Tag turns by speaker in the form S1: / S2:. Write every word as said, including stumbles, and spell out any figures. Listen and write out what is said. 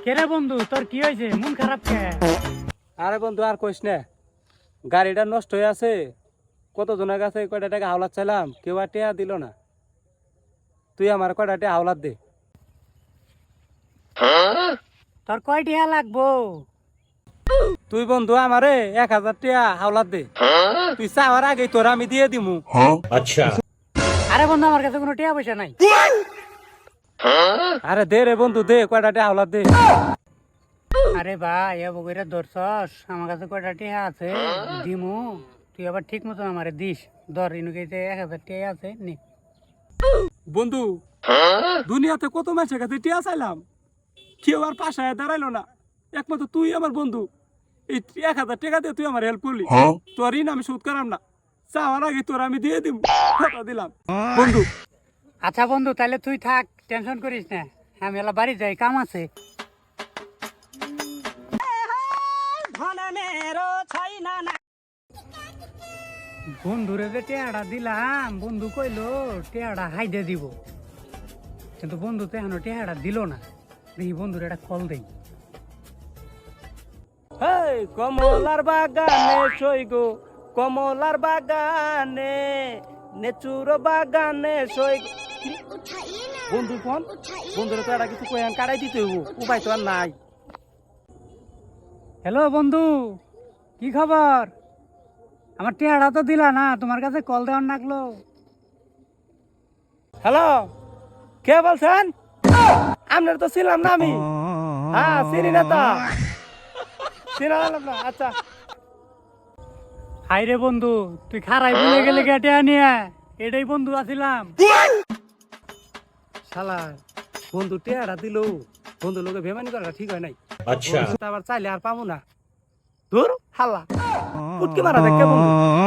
S1: কেরে বন্ধু তোর কি হয়েছে মন খারাপ কে?
S2: আরে বন্ধু আর কইস না, গাড়িটা নষ্ট হয়ে আছে। কত জনের কাছে কয়টা টাকা হাওলাত চাইলাম, কেউ আর টেয়া দিল না। তুই আমার কয়টা টাকা হাওলাত দে।
S1: তোর কয় টিয়া লাগবো?
S2: তুই বন্ধু আমারে এক হাজার টাকা হাওলাত দে। তুই চাওয়ার আগে তোর আমি দিয়ে দিমু।
S3: अच्छा
S1: আরে বন্ধু আমার কাছে কোনো টিয়া পয়সা নাই।
S2: আরে দে রে বন্ধু দে, কয়টা টাকা হাওলাত দে।
S1: আরে ভাই এ বগিরা ধরছস, আমার কাছে কয়টা টিয়া আছে দিমু, তুই আবার ঠিক মতন আমারে দিস। ধর ইনুকে এক হাজার টিয়া আছে নে।
S2: বন্ধু দুনিয়াতে কত মানুষের কাছে টিয়া চাইলাম, কেউ আর পাশায় দাঁড়াইলো না। একমাত্র তুই আমার বন্ধু। এই এক হাজার টাকা দিয়ে তুই আমার হেল্প করলি, তোর ঋণ আমি শোধ করাম না। চাওয়ার আগে তোর আমি দিয়ে দিব, কথা দিলাম বন্ধু।
S1: আচ্ছা বন্ধু তাহলে তুই থাক, টেনশন করিস না, আমি এলা বাড়ি যাই, কাম আছে। বন্ধুরে যে টেয়াটা দিলাম, বন্ধু কইলো টেয়াটা হাইদে দিব, কিন্তু বন্ধু তো এখনো টেয়াটা দিল না। দেখি বন্ধুর একটা কল দেই।
S2: হেই কমলার বাগানে সই গো, কমলার বাগানে নেচুর বাগানে সই গো। বন্ধু ফোন, বন্ধুরে তো একটা কিছু কয়ান কাটাই দিতে হইব, উপায় তো আর নাই।
S1: হ্যালো বন্ধু, কি খবর? আমার টেয়াটা তো দিলা না, তোমার কাছে কল দেওয়ার লাগলো।
S2: হ্যালো, কে বলছেন? আপনার তো ছিলাম না আমি। হ্যাঁ চিনি না তো, চিনালাম না। আচ্ছা
S1: হাই রে বন্ধু, তুই খারাই বলে গেলে টেয়া নিয়ে, এটাই বন্ধু আছিলাম।
S2: শালা বন্ধু টেয়ারা দিল, বন্ধু লোকে বেমানি করা ঠিক হয় নাই।
S3: अच्छा
S2: বন্ধু তো আবার চাইলে আর পাবো না। ধুর হাল্লা পুটকি মারা দেখ কে বন্ধু।